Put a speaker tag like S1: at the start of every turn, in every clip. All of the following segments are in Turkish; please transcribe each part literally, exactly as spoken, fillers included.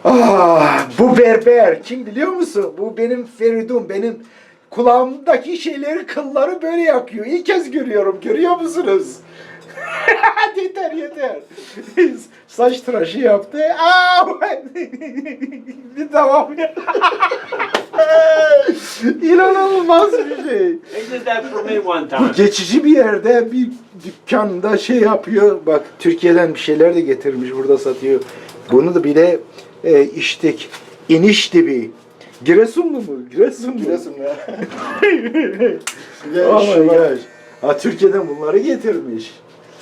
S1: Ah, bu berber kim biliyor musun? Bu benim Feridun, benim kulağımdaki şeyleri, kılları böyle yakıyor. İlk kez görüyorum, görüyor musunuz? yeter yeter. Saç tıraşı yaptı. Aa, bir tamam ya. İnanılmaz bir şey.
S2: They did that for me one
S1: Bu
S2: time.
S1: geçici bir yerde bir dükkanda şey yapıyor. Bak Türkiye'den bir şeyler de getirmiş, burada satıyor. Bunu da bile e, içtik. İniş dibi. Giresunlu mu? Giresun mu?
S3: Giresun ya.
S1: Oh my gosh. Ha, Türkiye'den bunları getirmiş.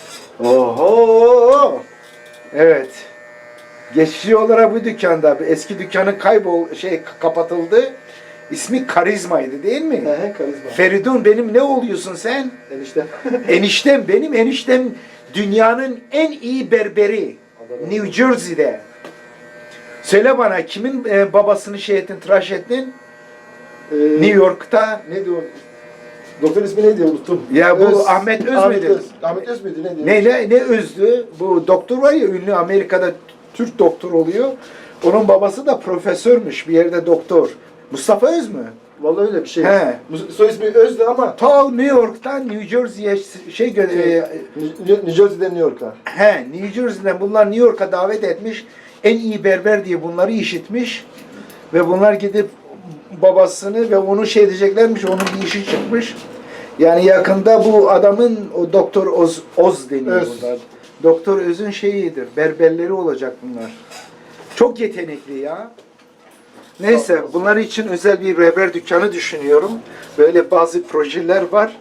S1: Oho! Evet. Geçici olarak bu dükkanda, eski dükkanın kaybol şey kapatıldı. İsmi Karizma'ydı değil mi?
S3: He, karizma.
S1: Feridun, benim ne oluyorsun sen?
S3: Enişte.
S1: Eniştem, benim eniştem dünyanın en iyi berberi. New Jersey'de. Söyle bana, kimin e, babasını şey ettin, tıraş ettin?
S3: Ee,
S1: New York'ta.
S3: Ne diyor? Doktor ismi neydi unuttum.
S1: Ya bu Ahmet Öz
S3: Ahmet
S1: müydü?
S3: Öz. Ahmet Öz müydü ne diyor?
S1: Ne, ne, ne Öz'dü? Bu doktor var ya, ünlü Amerika'da Türk doktor oluyor. Onun babası da profesörmüş, bir yerde doktor. Mustafa Öz mü?
S3: Vallahi öyle bir şey.
S1: He.
S3: Bu soy ismi Öz'dü ama
S1: Ta New York'tan New Jersey'ye şey gö-
S3: şey,
S1: e,
S3: New New Jersey'den New York'a.
S1: he, New Jersey'den bunlar New York'a davet etmiş. En iyi berber diye bunları işitmiş. Ve bunlar gidip babasını ve onu şey diyeceklermiş, onun bir işi çıkmış. Yani yakında bu adamın, o Doktor Oz, Oz deniyor
S3: Öz.
S1: bunlar. Doktor Öz'ün şeyidir, berberleri olacak bunlar. Çok yetenekli ya. Neyse, bunlar için özel bir berber dükkanı düşünüyorum. Böyle bazı projeler var.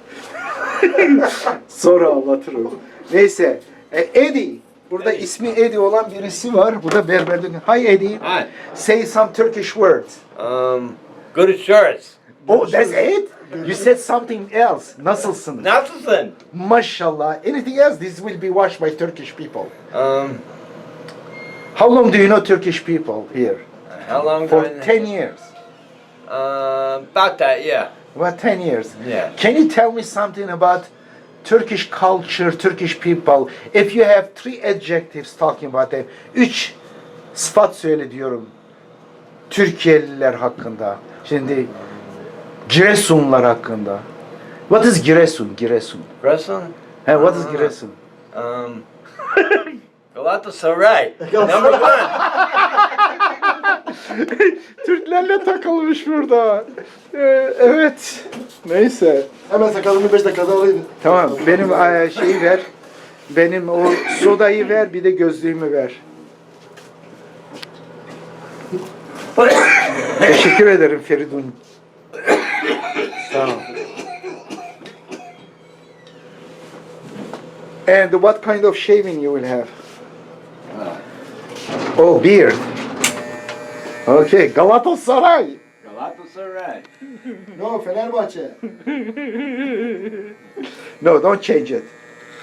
S1: Sonra anlatırım. Neyse, e, Eddie. Burada
S2: Eddie.
S1: ismi Eddie olan birisi var. Bu da berber dükkanı. Hi Eddie.
S2: Hi.
S1: Say some Turkish words.
S2: Um, good insurance.
S1: Oh, that's it? You said something else. Nasılsın?
S2: Nasılsın?
S1: Maşallah. Anything else? This will be watched by Turkish people.
S2: Um,
S1: How long do you know Turkish people here?
S2: how long?
S1: For
S2: do I-
S1: ten years.
S2: Uh, about that, yeah.
S1: What, ten years?
S2: Yeah.
S1: Can you tell me something about Turkish culture, Turkish people? If you have three adjectives talking about them, üç sıfat söyle diyorum Türkiye'liler hakkında. Şimdi Giresunlar hakkında. What is Giresun? Giresun.
S2: Wrestling?
S1: He, what is
S2: Ah.
S1: Giresun?
S2: Um, Galatasaray. Number one.
S1: Türklerle takılmış burada. Ee, evet. Neyse.
S3: Hemen sakalımı beş dakikada alayım.
S1: Tamam. Benim e, şeyi ver. Benim o sodayı ver, bir de gözlüğümü ver. Teşekkür ederim Feridun. Sağ ol. And what kind of shaving you will have? Oh, beard. Okay, Galatasaray.
S2: Galatasaray.
S3: No, Fenerbahçe.
S1: No, don't change it.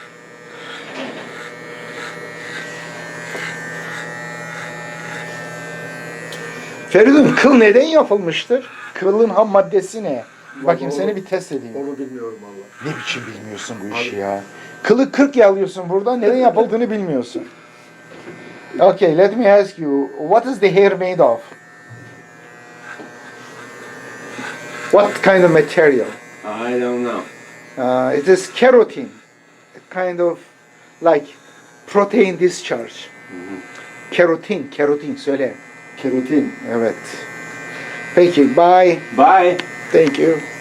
S1: Feridun, kıl neden yapılmıştır? Kılın ham maddesi ne? Bakayım, seni bir test edeyim.
S3: Onu bilmiyorum valla.
S1: Ne biçim bilmiyorsun bu işi ya? Kılı kırk yalıyorsun burada, neden yapıldığını bilmiyorsun. Okay, let me ask you, what is the hair made of? What kind of material?
S2: I don't know.
S1: Uh, it is keratin, a kind of like protein discharge. Keratin, keratin söyle.
S3: Kerotin.
S1: Evet. Peki, bye.
S2: Bye.
S1: Thank you.